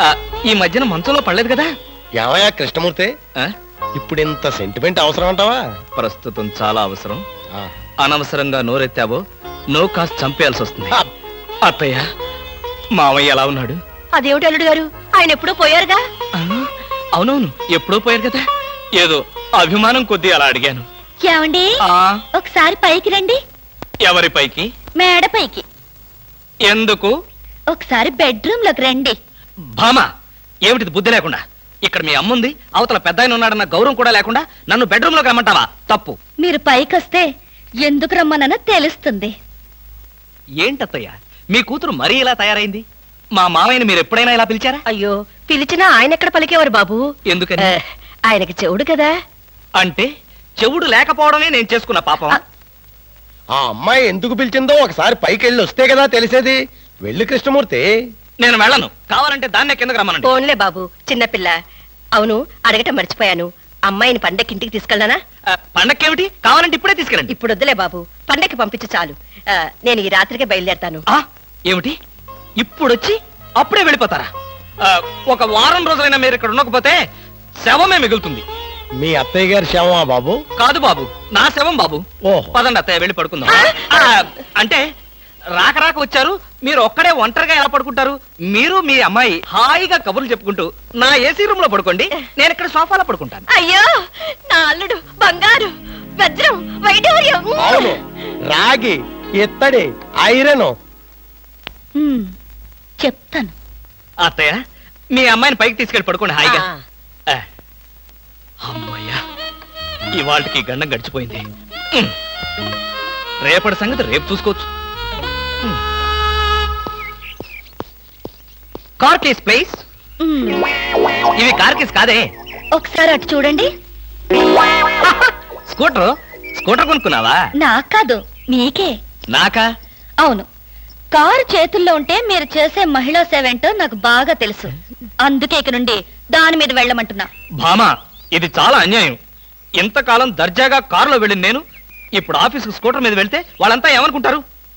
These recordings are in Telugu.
ఈ మధ్యన మంచంలో పడలేదు కదా? ఏమయ్యా కృష్ణమూర్తి, ఇప్పుడు ఇంత సెంటిమెంట్ అవసరం అంటావా? ప్రస్తుతం చాలా అవసరం. అనవసరంగా నోరెత్తావో నో కాస్త చంపేయాల్సి వస్తుంది. అత్తయ్య, మావయ్య ఎలా ఉన్నాడు? అదేమిటి అల్లుడు గారు, ఆయన ఎప్పుడూ పోయారుగా. అవునవును, ఎప్పుడో పోయారు కదా. ఏదో అభిమానం కొద్దీ అలా అడిగాను. ఏమండి, ఒకసారి పైకి రండి. ఎవరి పైకి? మేడ పైకి. ఎందుకు? ఒకసారి బెడ్రూమ్ లోకి రండి. భామా, ఏమిటిది బుద్ధి లేకుండా? ఇక్కడ మీ అమ్ముంది, అవతల పెద్ద ఆయన ఉన్నాడన్న గౌరవం కూడా లేకుండా నన్ను బెడ్రూమ్ లోకి రమ్మంటావా? తప్పు. మీరు పైకి వస్తే ఎందుకు రమ్మనో తెలుస్తుంది. ఏంటత్తయ్య, మీ కూతురు మరీ ఇలా తయారైంది? మా మామయ్యని మీరు ఎప్పుడైనా ఇలా పిలిచారా? అయ్యో, పిలిచినా ఆయన ఎక్కడ పలికేవారు బాబు? ఎందుకని? ఆయనకి చెవుడు కదా. అంటే చెవుడు లేకపోవడమే నేను చేసుకున్న పాపం. ఆ అమ్మాయి ఎందుకు పిలిచిందో ఒకసారి పైకి వెళ్ళి వస్తే కదా తెలిసేది. వెళ్ళి కృష్ణమూర్తి. నేను వెళ్ళను. కావాలంటే దాన్నే కిందకి రమ్మనండి. ఫోన్లే బాబు, చిన్నపిల్ల. అవును, అడగటం మర్చిపోయాను. అమ్మాయిని పండక్కి ఇంటికి తీసుకెళ్ళనా? పండక్కేమిటి? కావాలంటే ఇప్పుడే తీసుకెళ్ళండి. ఇప్పుడు వద్దులే బాబు, పండక్కి పంపించు చాలు. నేను ఈ రాత్రికే బయలుదేరతాను. ఏమిటి, ఇప్పుడొచ్చి అప్పుడే వెళ్ళిపోతారా? ఒక వారం రోజులైనా మీరు ఇక్కడ ఉండకపోతే శవమే మిగులుతుంది. మీ అత్తయ్య గారి శవమా బాబు? కాదు బాబు, నా శవం బాబు. పదండి అత్తయ్య, వెళ్ళి పడుకుందాం. అంటే రాక రాక వచ్చారు, మీరు ఒక్కడే ఒంటరిగా ఎలా పడుకుంటారు? మీరు మీ అమ్మాయి హాయిగా కబుర్లు చెప్పుకుంటూ నా ఏసీ రూమ్ లో పడుకోండి, నేను ఇక్కడ సోఫాలో పడుకుంటాను. అయ్యో, నా అల్లుడు బంగారు, వజ్రం, వైఢూర్యం. అవును, రాగి, ఇత్తడి, ఐరన్. చెప్తాను. అత్తయ్య, మీ అమ్మాయిని పైకి తీసుకెళ్ళి పడుకోండి హాయిగా. అమ్మయ్యా, ఇవాళకి గండం గడిచిపోయింది. రేపటి సంగతి రేపు చూసుకోవచ్చు. Car case please. ఇవి కార్ కేస్ కాదే. ఒకసారి అటు చూడండి. స్కూటర్ కొనుక్కున్నావా? నాకు కాదు, మీకే. నాకా? అవును, కారు చేతుల్లో ఉంటే మీరు చేసే మహిళా సేవేంటో నాకు బాగా తెలుసు. అందుకే ఇక నుండి దాని మీద వెళ్ళమంటున్నా. భామా, ఇది చాలా అన్యాయం. ఇంతకాలం దర్జాగా కారులో వెళ్ళింది నేను, ఇప్పుడు ఆఫీసుకు స్కూటర్ మీద వెళ్తే వాళ్ళంతా ఏమనుకుంటారు?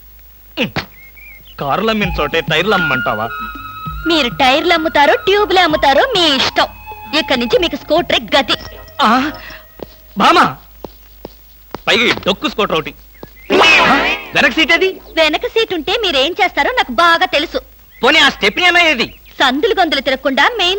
కారులు అమ్మిన చోటే టైర్లు అమ్మంటావా? మీరు టైర్లు అమ్ముతారో ట్యూబ్లు అమ్ముతారో మీ ఇష్టం. ఇక్కడి నుంచి మీకు స్కూటర్ గతి. భామా, పైగా డొక్కు స్కూటర్ ఒకటి. వెనక సీట్ అది? వెనక సీట్ ఉంటే మీరేం చేస్తారో నాకు బాగా తెలుసు. పోనీ ఆ స్టెప్నీ అన్నది? సందులు గొంతులు తిరగకుండా మెయిన్